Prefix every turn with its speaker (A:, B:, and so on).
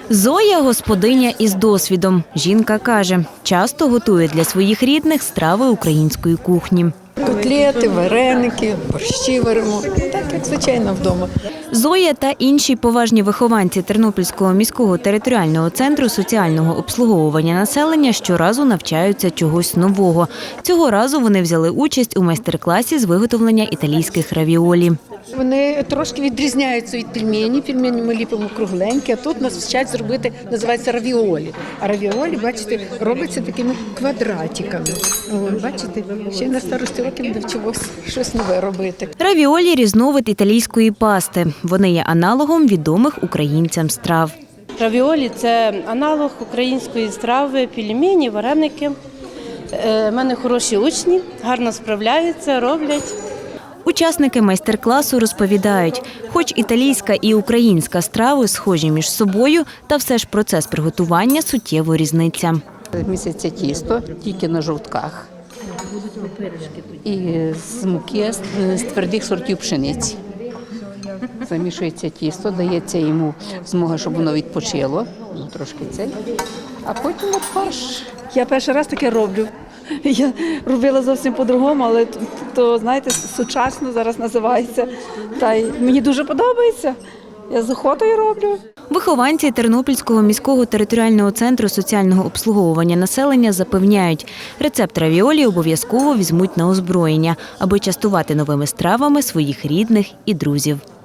A: Зоя – господиня із досвідом. Жінка каже, часто готує для своїх рідних страви української кухні.
B: Котлети, вареники, борщі варимо, так як звичайно вдома.
A: Зоя та інші поважні вихованці Тернопільського міського територіального центру соціального обслуговування населення щоразу навчаються чогось нового. Цього разу вони взяли участь у майстер-класі з виготовлення італійських равіолі.
B: Вони трошки відрізняються від пельмені. Пельмені ми ліпимо кругленькі, а тут нас вчать зробити, називається равіолі. А равіолі, бачите, робляться такими квадратиками. О, бачите, ще на старості років навчилося щось нове робити.
A: Равіолі – різновид італійської пасти. Вони є аналогом відомих українцям страв.
C: Равіолі – це аналог української страви, пельмені, вареники. У мене хороші учні, гарно справляються, роблять.
A: Учасники майстер-класу розповідають, хоч італійська і українська страви схожі між собою, та все ж процес приготування суттєво різниця.
D: Місяця тісто, тільки на жовтках. І з муки, з твердих сортів пшениці. Замішується тісто, дається йому змога, щоб воно відпочило, трошки цей, а потім от фарш.
E: Я перший раз таке роблю. Я робила зовсім по-другому, але то, знаєте, сучасно зараз називається. Та й мені дуже подобається. Я з охотою роблю.
A: Вихованці Тернопільського міського територіального центру соціального обслуговування населення запевняють, рецепт равіолі обов'язково візьмуть на озброєння, аби частувати новими стравами своїх рідних і друзів.